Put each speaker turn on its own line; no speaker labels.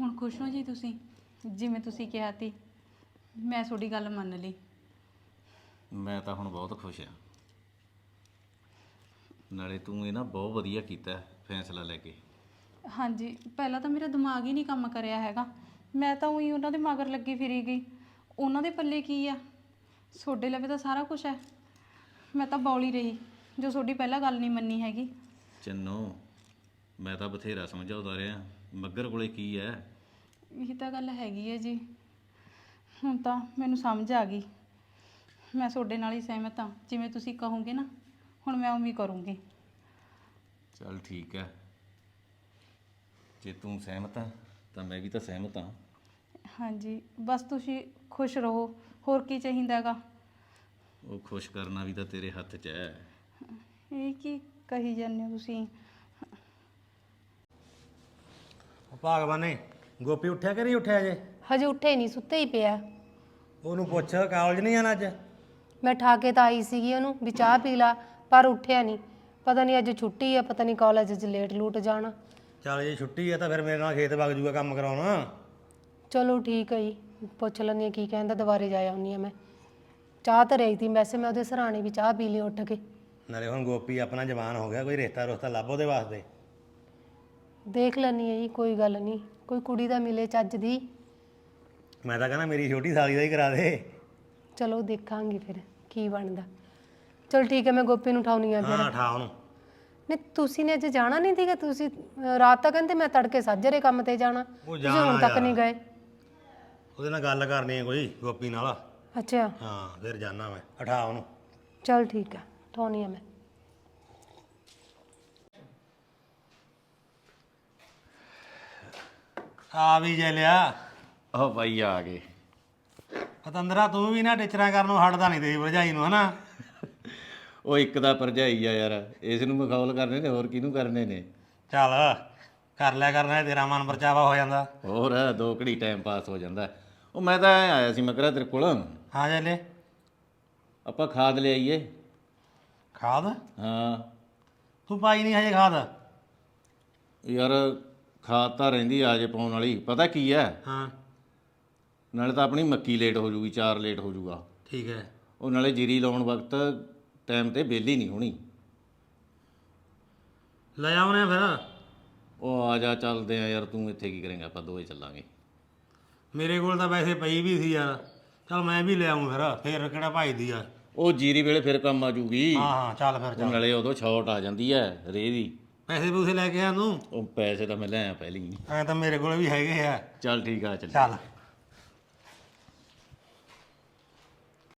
ਹੁਣ ਖੁਸ਼ ਹੋ ਜੀ ਤੁਸੀਂ? ਜਿਵੇਂ ਤੁਸੀਂ ਕਿਹਾ ਤੀ ਮੈਂ ਤੁਹਾਡੀ ਗੱਲ ਮੰਨ ਲਈ।
ਮੈਂ ਤਾਂ ਹੁਣ ਬਹੁਤ ਖੁਸ਼ ਹਾਂ। ਨਾਲੇ ਤੂੰ ਇਹ ਨਾ ਬਹੁਤ ਵਧੀਆ ਕੀਤਾ ਫੈਸਲਾ ਲੈ ਕੇ।
ਹਾਂਜੀ, ਪਹਿਲਾਂ ਤਾਂ ਮੇਰਾ ਦਿਮਾਗ ਹੀ ਨਹੀਂ ਕੰਮ ਕਰਿਆ ਹੈਗਾ। ਮੈਂ ਤਾਂ ਉਹੀ ਉਹਨਾਂ ਦੇ ਮਗਰ ਲੱਗੀ ਫਿਰੀ ਗਈ। ਉਹਨਾਂ ਦੇ ਪੱਲੇ ਕੀ ਆ? ਤੁਹਾਡੇ ਲਵੇ ਤਾਂ ਸਾਰਾ ਕੁਝ ਹੈ। ਮੈਂ ਤਾਂ ਬੌਲੀ ਰਹੀ ਜੋ ਤੁਹਾਡੀ ਪਹਿਲਾਂ ਗੱਲ ਨਹੀਂ ਮੰਨੀ ਹੈਗੀ।
ਚੰਨੋ, ਮੈਂ ਤਾਂ ਬਥੇਰਾ ਸਮਝਾਉਂਦਾ ਰਿਹਾ, ਮੱਘਰ ਕੋਲੇ ਕੀ ਹੈ।
ਇਹ ਤਾਂ ਗੱਲ ਹੈਗੀ ਹੈ ਜੀ। ਹੁਣ ਤਾਂ ਮੈਨੂੰ ਸਮਝ ਆ ਗਈ। ਮੈਂ ਤੁਹਾਡੇ ਨਾਲ ਹੀ ਸਹਿਮਤ ਹਾਂ। ਜਿਵੇਂ ਤੁਸੀਂ ਕਹੋਗੇ ਨਾ ਹੁਣ ਮੈਂ ਉਵੇਂ ਕਰੂੰਗੀ।
ਚੱਲ ਠੀਕ ਹੈ, ਜੇ ਤੂੰ ਸਹਿਮਤ ਆ ਤਾਂ ਮੈਂ ਵੀ ਤਾਂ ਸਹਿਮਤ ਹਾਂ।
ਹਾਂਜੀ, ਬਸ ਤੁਸੀਂ ਖੁਸ਼ ਰਹੋ, ਹੋਰ ਕੀ ਚਾਹੀਦਾ ਹੈਗਾ।
ਉਹ ਖੁਸ਼ ਕਰਨਾ ਵੀ ਤਾਂ ਤੇਰੇ ਹੱਥ 'ਚ ਹੈ।
ਇਹ ਕੀ ਕਹੀ ਜਾਂਦੇ ਹੋ ਤੁਸੀਂ?
ਭਾਗਵਾਨੇ ਗੋਪੀ ਉੱਠਿਆ ਕਿ ਨਹੀਂ ਉੱਠਿਆ ਜੇ?
ਹਜੇ ਉੱਠੇ ਨਹੀਂ, ਸੁੱਤੇ ਹੀ ਪਿਆ।
ਉਹਨੂੰ ਪੁੱਛ ਕਾਲਜ ਨਹੀਂ ਜਾਣਾ ਅੱਜ?
ਮੈਂ ਠਾ ਕੇ ਤਾਂ ਆਈ ਸੀਗੀ ਉਹਨੂੰ ਵੀ ਚਾਹ ਪੀ ਲਾ, ਪਰ ਉੱਠਿਆ ਨਹੀਂ। ਪਤਾ ਨਹੀਂ ਅੱਜ ਛੁੱਟੀ ਆ, ਪਤਾ ਨਹੀਂ ਕਾਲਜ 'ਚ ਲੇਟ ਲੂਟ ਜਾਣਾ।
ਚੱਲ ਜੇ ਛੁੱਟੀ ਆ ਤਾਂ ਫਿਰ ਮੇਰੇ ਨਾਲ ਖੇਤ ਵਗ ਜੂਗਾ ਕੰਮ ਕਰਾਉਣਾ।
ਚਲੋ ਠੀਕ ਹੈ ਜੀ, ਪੁੱਛ ਲੈਂਦੀ ਹਾਂ ਕੀ ਕਹਿੰਦਾ, ਦੁਬਾਰੇ ਜਾ ਆਉਂਦੀ ਹਾਂ ਮੈਂ। ਚਾਹ ਤਾਂ ਰਹੀ ਤੀ, ਵੈਸੇ ਮੈਂ ਉਹਦੇ ਸਰਾਣੇ ਵੀ ਚਾਹ ਪੀ ਲਈ ਉੱਠ ਕੇ।
ਨਾਲੇ ਹੁਣ ਗੋਪੀ ਆਪਣਾ ਜਵਾਨ ਹੋ ਗਿਆ, ਕੋਈ ਰਿਸ਼ਤਾ ਰੁਸ਼ਤਾ ਲੱਭ ਉਹਦੇ ਵਾਸਤੇ।
ਦੇਖ ਲੈਂਦੀ ਹਾਂ ਜੀ, ਕੋਈ ਗੱਲ ਨਹੀਂ, ਕੋਈ ਕੁੜੀ ਦਾ ਮਿਲੇ ਚੱਜ ਦੀ।
ਮੈਂ ਤਾਂ ਕਹਿੰਦਾ ਮੇਰੀ ਛੋਟੀ ਸਾਲੀ ਦਾ ਹੀ ਕਰਾ ਦੇ।
ਚਲੋ ਦੇਖਾਂਗੇ ਫਿਰ ਕੀ ਬਣਦਾ। ਚਲ ਠੀਕ ਹੈ, ਮੈਂ ਗੋਪੀ ਨੂੰ ਉਠਾਉਣੀ ਆ ਫਿਰ।
ਹਾਂ ਠਾ ਉਹਨੂੰ।
ਨਹੀਂ ਤੁਸੀਂ ਨੇ ਅੱਜ ਜਾਣਾ ਨਹੀਂ ਸੀਗਾ? ਤੁਸੀਂ ਰਾਤ ਤਾਂ ਕਹਿੰਦੇ ਮੈਂ ਤੜਕੇ ਸਾਜਰੇ ਕੰਮ ਤੇ ਜਾਣਾ, ਤੁਸੀਂ ਹੁਣ ਤੱਕ ਨਹੀਂ ਗਏ।
ਉਹਦੇ ਨਾਲ ਗੱਲ ਕਰਨੀ ਹੈ ਕੋਈ, ਗੋਪੀ ਨਾਲ।
ਅੱਛਾ
ਹਾਂ ਫਿਰ ਜਾਣਾ ਮੈਂ। ਉਠਾ ਉਹਨੂੰ।
ਚਲ ਠੀਕ ਹੈ, ਉਠਾਉਣੀ ਆ ਮੈਂ।
ਆ ਵੀ ਜੇ ਲਿਆ।
ਆਹ ਬਾਈ ਆ ਗਏ।
ਪਤੰਦਰਾ ਤੂੰ ਵੀ ਨਾ ਟਿਚਰਾਂ ਕਰਨ ਨੂੰ ਹਟਦਾ ਨਹੀਂ ਤੇਰੀ ਭਰਜਾਈ ਨੂੰ, ਹਨਾ?
ਉਹ ਇੱਕ ਦਾ ਭਰਜਾਈ ਆ ਯਾਰ, ਇਸ ਨੂੰ ਮਖੌਲ ਕਰਨੇ ਨੇ, ਹੋਰ ਕਿਹਨੂੰ ਕਰਨੇ ਨੇ।
ਚੱਲ ਕਰ ਲਿਆ ਕਰਨਾ, ਤੇਰਾ ਮਨ ਪਰਚਾਵਾ ਹੋ ਜਾਂਦਾ।
ਹੋਰ ਦੋ ਘੜੀ ਟਾਈਮ ਪਾਸ ਹੋ ਜਾਂਦਾ। ਉਹ ਮੈਂ ਤਾਂ ਐਂ ਆਇਆ ਸੀ, ਮੈਂ ਕਿਹਾ ਤੇਰੇ ਕੋਲ
ਹਾਂ ਜੇ ਲੈ।
ਆਪਾਂ ਖਾਦ ਲਿਆਈਏ।
ਖਾਦ?
ਹਾਂ
ਤੂੰ ਪਾਈ ਨਹੀਂ ਹਜੇ ਖਾਦ?
ਯਾਰ ਖਾਦ ਤਾਂ ਰਹਿੰਦੀ ਆ ਜੇ ਪਾਉਣ ਵਾਲੀ। ਪਤਾ ਕੀ ਹੈ,
ਹਾਂ
ਨਾਲੇ ਤਾਂ ਆਪਣੀ ਮੱਕੀ ਲੇਟ ਹੋ ਜੂਗੀ, 4 ਲੇਟ ਹੋ ਜੂਗਾ।
ਠੀਕ ਹੈ।
ਉਹ ਨਾਲੇ ਜੀਰੀ ਲਾਉਣ ਵਕਤ ਟਾਈਮ ਤੇ ਵਿਹਲੀ ਨਹੀਂ ਹੋਣੀ।
ਲੈ ਆਉਣੇ ਫਿਰ।
ਉਹ ਆ ਜਾ, ਚੱਲਦੇ ਆ ਯਾਰ। ਤੂੰ ਇੱਥੇ ਕੀ ਕਰੇਂਗਾ, ਆਪਾਂ ਦੋਵੇਂ ਚੱਲਾਂਗੇ।
ਮੇਰੇ ਕੋਲ ਤਾਂ ਵੈਸੇ ਪਈ ਵੀ ਸੀ ਯਾਰ। ਚੱਲ ਮੈਂ ਵੀ ਲੈ ਆਉਂ ਫਿਰ ਕਿਹੜਾ ਭਾਈ ਦੀ ਆ।
ਉਹ ਜੀਰੀ ਵੇਲੇ ਫਿਰ ਕੰਮ ਆ ਜੂਗੀ।
ਹਾਂ ਹਾਂ ਚੱਲ ਫਿਰ
ਉਹ
ਚੱਲ।
ਨਾਲੇ ਉਦੋਂ ਛੋਟ ਆ ਜਾਂਦੀ ਹੈ ਰੇਹ ਦੀ।
ਪੈਸੇ ਪੂਸੇ ਲੈ ਕੇ ਆ ਤੂੰ?
ਉਹ ਪੈਸੇ ਤਾਂ ਮੈਂ ਲੈ ਆ ਪਹਿਲੀ।
ਐਂ ਤਾਂ ਮੇਰੇ ਕੋਲ ਵੀ ਹੈਗੇ ਆ।
ਚੱਲ ਠੀਕ ਆ, ਚੱਲ।
ਚੱਲ